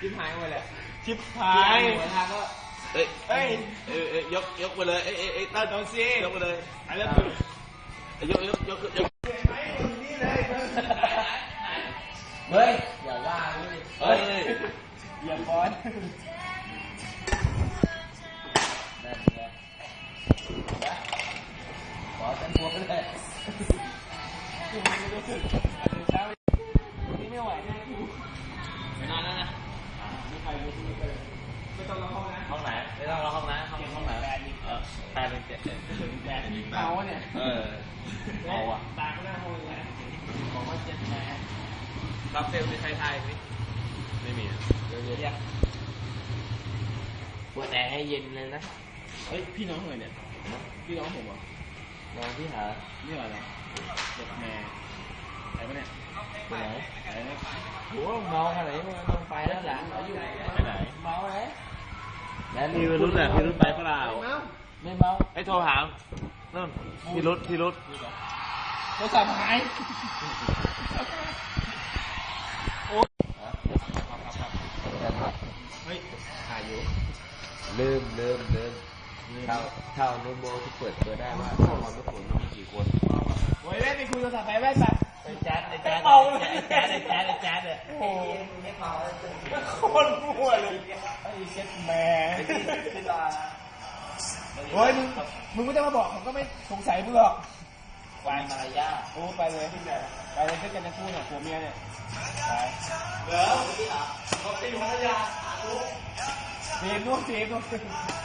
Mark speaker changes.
Speaker 1: ชิบหายหมดเลย
Speaker 2: ชิบหาย
Speaker 1: หัวทางก็
Speaker 2: เอ้ยยกไปเลยตั้งโดนซียกไปเลยไอ้เรื่องยก
Speaker 1: เฮ้ยอย่าว่าเฮ้ย
Speaker 2: อย่าฟ้อน
Speaker 1: นั่นไงขอเป็นพวกเลยนี่ไม่ไหวแน่กูไปนอนแล้วนะไม่ต้องรอห้องนะห้องไหนไม่ต้องรอห้องนะห้องไหนแปดเป็น7เอาเนี่ยเอาอ่ะตาก็หน้าห้องเลยบอกว่า7แม่รับเซลล์ในไทยไหมไม่มีเดี๋ยวปวดแอร์ให้เย็นเลยนะ
Speaker 2: เฮ้ยพี่น้องเลยเนี่ยพี่น้องผมเหรอ
Speaker 1: น้องพี่หา
Speaker 2: นี่อะไร7แม่ไหนปะเนี่ย
Speaker 1: ไปไหน
Speaker 2: ไหนเนี่ย
Speaker 1: โอ้เมาขนาดนี้มันต้องไปแล้วหลังเราอยู่
Speaker 2: ไปไหน
Speaker 1: เมาเลย
Speaker 2: แล้วพี่รุ่นแหละพี่รุ่นไปเปล่า
Speaker 1: ไม่เมา
Speaker 2: ไอ้โทรหานู่นพี่รุ่น
Speaker 1: โทรศัพท์หาย
Speaker 2: เฮ้ยถ่ายอยู่
Speaker 1: ลืมเท่าโน้ตโบที่เปิดเบอร์ได้ว่าเข้ามาทุกคนมีกี่คน
Speaker 2: โอ้ยแม่ไปคุยโทรศัพท์ไปแม่ไป
Speaker 1: ไอ้แจ๊ดเนี่ย
Speaker 2: โอ้คนมั่วเลย
Speaker 1: ไอ้เจ็ดแม่
Speaker 2: โอ้ยมึงไม่ต้องมาบอกผมก็ไม่สงสัยมึงหรอก
Speaker 1: วายมารยา
Speaker 2: โอ้ไปเลยด้วยกันทั้งคู่เนี่ยผัวเมียเนี่ยไป
Speaker 1: เหรอเขาตีภรรยา
Speaker 2: เสียงนู่น